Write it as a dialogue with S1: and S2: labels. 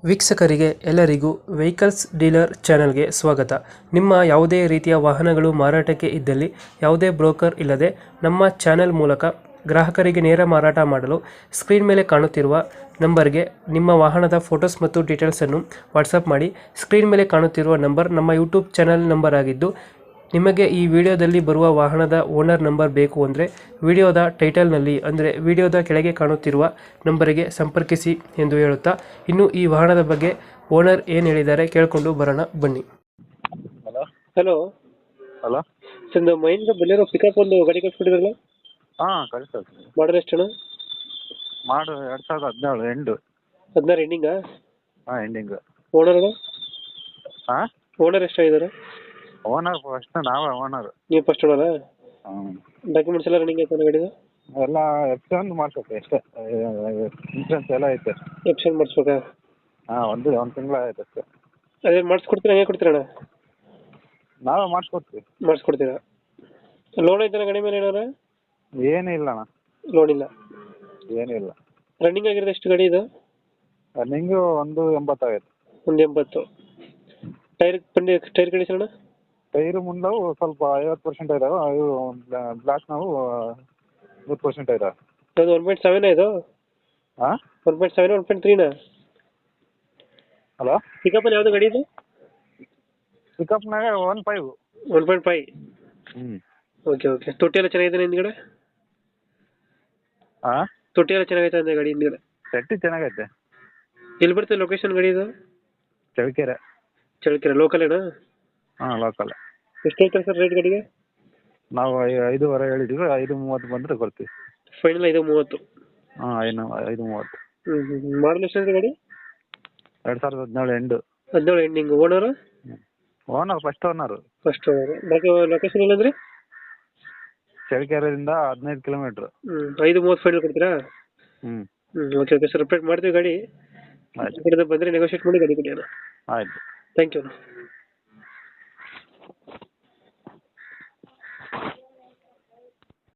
S1: ವೀಕ್ಷಕರಿಗೆ ಎಲ್ಲರಿಗೂ vehicles dealer ಚಾನೆಲ್ಗೆ ಸ್ವಾಗತ. ನಿಮ್ಮ ಯಾವುದೇ ರೀತಿಯ ವಾಹನಗಳು ಮಾರಾಟಕ್ಕೆ ಇದ್ದಲ್ಲಿ ಯಾವುದೇ ಬ್ರೋಕರ್ ಇಲ್ಲದೆ ನಮ್ಮ ಚಾನೆಲ್ ಮೂಲಕ ಗ್ರಾಹಕರಿಗೆ ನೇರ ಮಾರಾಟ ಮಾಡಲು ಸ್ಕ್ರೀನ್ ಮೇಲೆ ಕಾಣುತ್ತಿರುವ ನಂಬರ್ಗೆ ನಿಮ್ಮ ವಾಹನದ ಫೋಟೋಸ್ ಮತ್ತು ಡೀಟೇಲ್ಸನ್ನು ವಾಟ್ಸಪ್ ಮಾಡಿ. ಸ್ಕ್ರೀನ್ ಮೇಲೆ ಕಾಣುತ್ತಿರುವ ನಂಬರ್ ನಮ್ಮ ಯೂಟ್ಯೂಬ್ ಚಾನೆಲ್ ನಂಬರ್ ಆಗಿದ್ದು, ನಿಮಗೆ ಈ ವಿಡಿಯೋದಲ್ಲಿ ಬರುವ ವಾಹನದ ಓನರ್ ನಂಬರ್ ಬೇಕು ಅಂದರೆ ವಿಡಿಯೋದ ಟೈಟಲ್ನಲ್ಲಿ ಅಂದರೆ ವಿಡಿಯೋದ ಕೆಳಗೆ ಕಾಣುತ್ತಿರುವ ನಂಬರಿಗೆ ಸಂಪರ್ಕಿಸಿ ಎಂದು ಹೇಳುತ್ತಾ, ಇನ್ನು ಈ ವಾಹನದ ಬಗ್ಗೆ ಓನರ್ ಏನು ಹೇಳಿದ್ದಾರೆ ಕೇಳಿಕೊಂಡು ಬರೋಣ ಬನ್ನಿ.
S2: ಹಲೋ
S1: ಹಲೋ
S2: ಹಲೋ
S1: ಸರ್, ನಮ್ಮ ಮೈಂಡ್ ಬೆಲೆರೋ ಪಿಕಪ್ ಒಂದು ಗಾಡಿ ಕಳಿಸ್ಬಿಟ್ಟಿದ್ರಲ್ಲ,
S2: ಹಾಂ ಕಳಿಸ್ತದೆ.
S1: ಮಾಡಲ್ ಎಷ್ಟು?
S2: ಮಾಡು 2017 ಎಂಡು.
S1: 16 ಎಂಡಿಂಗಾ?
S2: ಹಾಂ ಎಂಡಿಂಗು.
S1: ಓನರ್
S2: ಹಾಂ
S1: ಓನರ್ ಎಷ್ಟಾಗಿದ್ದಾರೆ?
S2: ಓನರ್ ಫಸ್ಟ್ ನಾವೇ ಓನರ್.
S1: ನೀವು ಫಸ್ಟ್ ಓನರಾ?
S2: ಹ್ಞೂ
S1: ಡಾಕ್ಯುಮೆಂಟ್ಸ್ ಎಲ್ಲ ರನ್ನಿಂಗ್ ಆಯ್ತಾನೆ ಗಾಡಿದು?
S2: ಎಲ್ಲ ಎಕ್ಸ್ಚೇಂಜ್ ಮಾಡಿಸ್ಬೇಕು ಅಷ್ಟೇ, ಇನ್ಸೂರೆನ್ಸ್ ಎಲ್ಲ ಐತೆ.
S1: ಎಪ್ಷನ್ ಮಾಡಿಸ್ಬೇಕಾ?
S2: ಹಾಂ ಒಂದು ತಿಂಗಳು ಆಯ್ತು ಅಷ್ಟೇ.
S1: ಅದೇನು ಮಾಡಿಸ್ಕೊಡ್ತೀರಾ, ಹೇಗೆ ಕೊಡ್ತೀರಣ್ಣ?
S2: ನಾವೇ ಮಾಡಿಸ್ಕೊಡ್ತೀವಿ.
S1: ಮಾಡಿಸ್ಕೊಡ್ತೀರಾ? ಲೋನ್ ಐತನ ಗಾಡಿ ಮೇಲೆ ಏನಾರ?
S2: ಏನೂ ಇಲ್ಲ ಅಣ್ಣ,
S1: ಲೋನ್ ಇಲ್ಲ.
S2: ಏನಿಲ್ಲ.
S1: ರನ್ನಿಂಗ್ ಆಗಿರೋದು ಎಷ್ಟು ಗಾಡಿ ಇದು?
S2: ರನ್ನಿಂಗು 180 ಆಗೈತೆ.
S1: 180. ಟೈರ್ ಕಂಡೀಷನ್ ಅಣ್ಣ?
S2: ಟೈರು ಮುಂದವು ಸ್ವಲ್ಪ 50% ಇದಾವೆ, ಇವು ಬ್ಲಾಕ್ ನಾವು 100% ಇದಾವೆ.
S1: ಅದು 1.7 ಇದು?
S2: ಹಾಂ
S1: 1.7 1.3ನಾ?
S2: ಹಲೋ
S1: ಪಿಕಪ್ಪಲ್ಲಿ ಯಾವುದು ಗಾಡಿ ಇದು?
S2: ಪಿಕಪ್ನಾಗ 1.5.
S1: 1.5.
S2: ಹ್ಞೂ
S1: ಓಕೆ ಓಕೆ. ತೊಟ್ಟಿ ಎಲ್ಲ ಚೆನ್ನಾಗಿದೆ ಹಿಂದ್ಗಡೆ?
S2: ಹಾಂ
S1: ತೊಟ್ಟಿ ಎಲ್ಲ ಚೆನ್ನಾಗೈತೆ ಅಂದೆ ಗಾಡಿ ಹಿಂದ್ಗಡೆ?
S2: ಸೆಟ್ಟಿ ಚೆನ್ನಾಗೈತೆ.
S1: ಎಲ್ಲಿ ಬರ್ತದೆ ಲೊಕೇಶನ್ ಗಾಡಿ ಇದು?
S2: ಚಳ್ಳಕೆರೆ.
S1: ಚಳ್ಳಕೆರೆ ಲೋಕಲೇನಾ?
S2: ಹಾಂ ಲೋಕಲ್.
S1: ಎಷ್ಟು ಹೇಳ್ತಾರೆ ಸರ್ ರೇಟ್ ಗಾಡಿಗೆ?
S2: ನಾವು 5.5 ಹೇಳಿದ್ದೀವಿ, 5.30 ಬಂದರೆ ಕೊಡ್ತೀವಿ.
S1: ಫೈನಲ್ 5.30?
S2: ಹಾಂ 5.30.
S1: ಮಾಡಲ್ ಎಷ್ಟು ಗಾಡಿ?
S2: 2017 end.
S1: 17 ending. Owner?
S2: Owner first owner.
S1: First owner. Location ಇಲ್ಲಂದ್ರೆ?
S2: ಚಳ್ಳಕೆರೆಯಿಂದ 15 ಕಿಲೋಮೀಟ್ರ್.
S1: 5.30 ಫೈನಲ್ ಕೊಡ್ತೀರಾ?
S2: ಹ್ಞೂ
S1: ಓಕೆ ಓಕೆ ಸರ್, ಅಪ್ಡೇಟ್ ಮಾಡ್ತೀವಿ ಗಾಡಿ.
S2: ಆಯ್ತು
S1: ಬಂದರೆ ನೆಗೋಷಿಯೇಟ್ ಮಾಡಿ ಗಾಡಿ ಕೊಡಿ ಅಣ್ಣ.
S2: ಆಯಿತು.
S1: Thank you.